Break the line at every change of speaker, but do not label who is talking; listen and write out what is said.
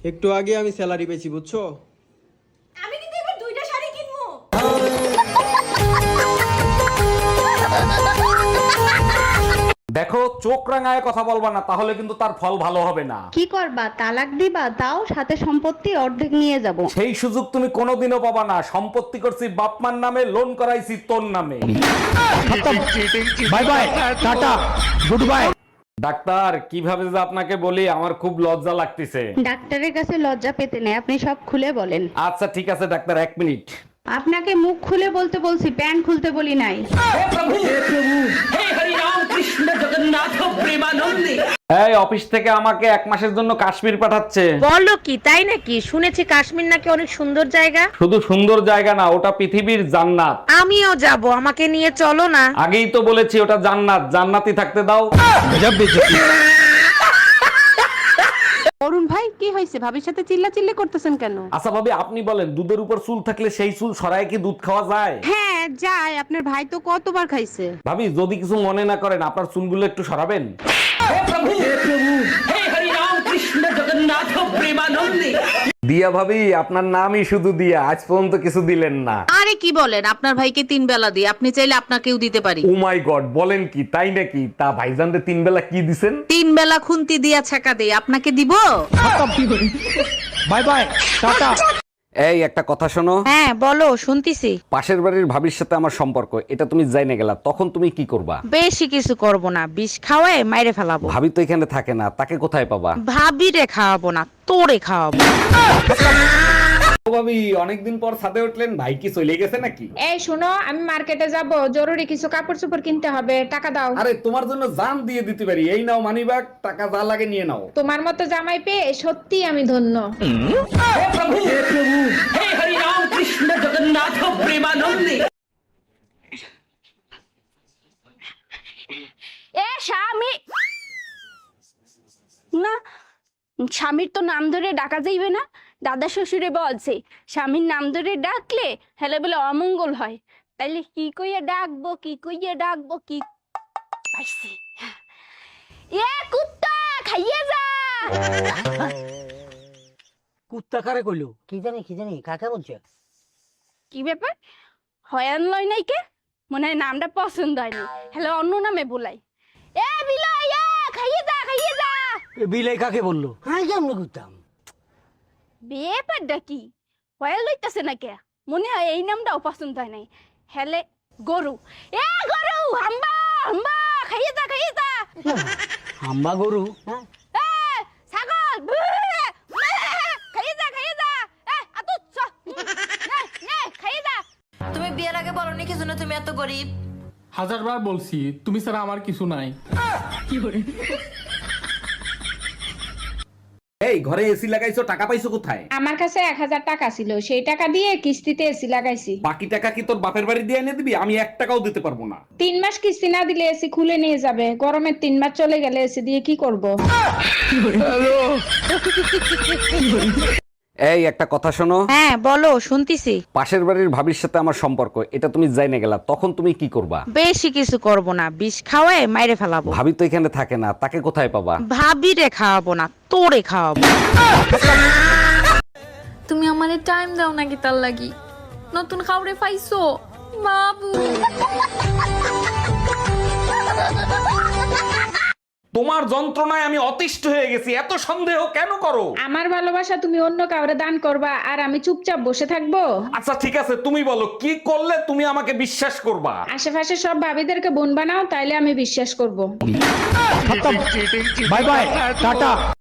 একটু আগে আমি স্যালারি পেয়েছি বুঝছো।
আমি কিন্তু এবার দুইটা শাড়ি কিনবো।
দেখো, চোখ রাঙায় কথা বলবা না, তাহলে কিন্তু তার ফল ভালো হবে না।
কি করবা, তালাক দিবা? তাও সাথে সম্পত্তি অর্ধেক নিয়ে যাব।
সেই সুযোগ তুমি কোনোদিনও পাবা না। সম্পত্তি করছি বাপমার নামে, লোন করাইছি তোর নামে। Bye bye, tata, good bye. Doctor, কিভাবে যে আপনাকে বলি, আমার খুব লজ্জা লাগতেছে।
ডাক্তারের কাছে লজ্জা পেতে নেই, আপনি সব খুলে বলেন।
আচ্ছা ঠিক আছে ডাক্তার, 1 মিনিট।
আপনাকে মুখ খুলে বলতে বলছি, প্যান্ট খুলতে বলি নাই।
এই অফিস থেকে আমাকে 1 মাসের জন্য কাশ্মীর পাঠাচ্ছে।
বলো কি, তাই নাকি? শুনেছি কাশ্মীর নাকি অনেক সুন্দর জায়গা।
শুধু সুন্দর জায়গা না, ওটা পৃথিবীর জান্নাত।
আমিও যাব, আমাকে নিয়ে চলো না।
আগেই তো বলেছি ওটা জান্নাত, জান্নাতি থাকতে দাও।
অরুণ ভাই, কি হয়েছে? ভাবির সাথে চিল্লাচিল্লি করতেছেন কেন?
আচ্ছা ভাবি, আপনি বলেন, দুধের উপর চুল থাকলে সেই চুল সরায় কি দুধ খাওয়া যায়?
হ্যাঁ যায়, আপনার ভাই তো কতবার খাইছে।
ভাবি, যদি কিছু মনে না করেন, আপনার চুলগুলো একটু সরাবেন। দিয়া ভাবি, আপনার নামই শুধু দিয়া, আজ পর্যন্ত কিছু দিলেন না।
আরে কি বলেন, আপনার ভাইকে 3 বেলা দিই, আপনি চাইলে আপনাকেও দিতে পারি।
ও মাই গড, বলেন কি, তাই নাকি? তা ভাইজানরে 3 বেলা কি দিছেন?
3 বেলা খুন্তি দিয়া ছাকা দেই, আপনাকে দিব?
Bye bye, tata. এই একটা কথা শোনো।
হ্যাঁ বলো, শুনতিছি।
পাশের বাড়ির ভাবির সাথে আমার সম্পর্ক, এটা তুমি জাইনে গেলা, তখন তুমি কি করবা?
বেশি কিছু করব না, বিষ খাওয়ায় মাইরে ফেলাবো।
ভাবি তো এখানে থাকে না, তাকে কোথায় পাবা?
ভাবিরে খাওয়াবো না, তোরে খাওয়াবো।
ও ভাবি, অনেকদিন পর ছাদে উঠলেন, ভাই কি চলে গেছে নাকি?
এই শোনো, আমি মার্কেটে যাব, জরুরি কিছু কাপড় চোপড় কিনতে হবে, টাকা দাও।
আরে তোমার জন্য জান দিয়ে দিতে পারি, এই নাও মানিব্যাগ, টাকা যা লাগে নিয়ে নাও।
তোমার মতো জামাই পেয়ে সত্যি আমি ধন্য।
এ স্বামী না, স্বামীর তো নাম ধরে ডাকা যাইবে না। দাদা শ্বশুরে বলছে স্বামীর নাম ধরে ডাকলে হেলে বলে অমঙ্গল হয়। তাইলে কি কইয়া ডাকবো, কি কইয়া ডাকবো, কি পাইছি। এ কুত্তা, খাইয়ে যা।
কুত্তা কারে কইলো? কি জানি কাকে বলছে?
কি ব্যাপার, হয়ান লয় নাই কে? মনে হয় নামটা পছন্দ হয়নি, হেলে অন্য নামে বলাই। এ বিলাই, এ খাইয়ে যা, খাইয়ে যা।
বিলাই কাকে বললো? হ্যাঁ কেমন করতাম?
ব্যাপারটা কি, হয়াল লইতাছে না কে? মনে হয় এই নামটাও পছন্দ হয় নাই। হেলে গরু, এ গরু, হাম্বা হাম্বা, খাইয়ে যা, খাইয়ে যা।
হাম্বা গরু? হ্যাঁ
এ ছাগল, খাইয়ে যা, খাইয়ে যা। এ আতুত ছ, নে নে খাইয়ে যা।
তুমি বিয়ের আগে বলনি কি জন্য তুমি এত গরিব?
1000 বার বলছি, তুমি ছাড়া আমার কিছু নাই।
এই ঘরে এসি লাগাইছো, টাকা পাইছো কোথায়?
আমার কাছে 1000 টাকা ছিল, সেই টাকা দিয়ে কিস্তিতে এসি লাগাইছি।
বাকি টাকা কি তোর বাপের বাড়ি দিয়ে এনে দিবি? আমি 1 টাকাও দিতে পারবো না।
3 মাস কিস্তি না দিলে এসি খুলে নিয়ে যাবে, গরমের 3 মাস চলে গেলে এসি দিয়ে কি করব?
এই একটা কথা শোনো।
হ্যাঁ বলো, শুনতিছি।
পাশের বাড়ির ভাবির সাথে আমার সম্পর্ক, এটা তুমি জাইনে গেলা, তখন তুমি কি করবা?
বেশি কিছু করব না, বিষ খাওয়ায় মাইরে ফেলাবো।
ভাবি তো এখানে থাকে না, তাকে কোথায় পাবা?
ভাবিরে খাওয়াবো না, তোরে খাওয়াবো।
তুমি আমারে টাইম দাও নাকি? তার লাগি নতুন খাউরে পাইছো বাবু?
তোমার যন্ত্রণায় আমি অতিষ্ঠ হয়ে গেছি, এত সন্দেহ কেন করো?
আমার ভালোবাসা তুমি অন্য কাউরে দান করবা আর আমি চুপচাপ বসে থাকবো?
আচ্ছা ঠিক আছে, তুমি বলো কি করলে তুমি আমাকে বিশ্বাস করবা?
আশেপাশে সব ভাবিদেরকে বোন বানাও, তাইলে আমি বিশ্বাস করব।
Bye bye, tata.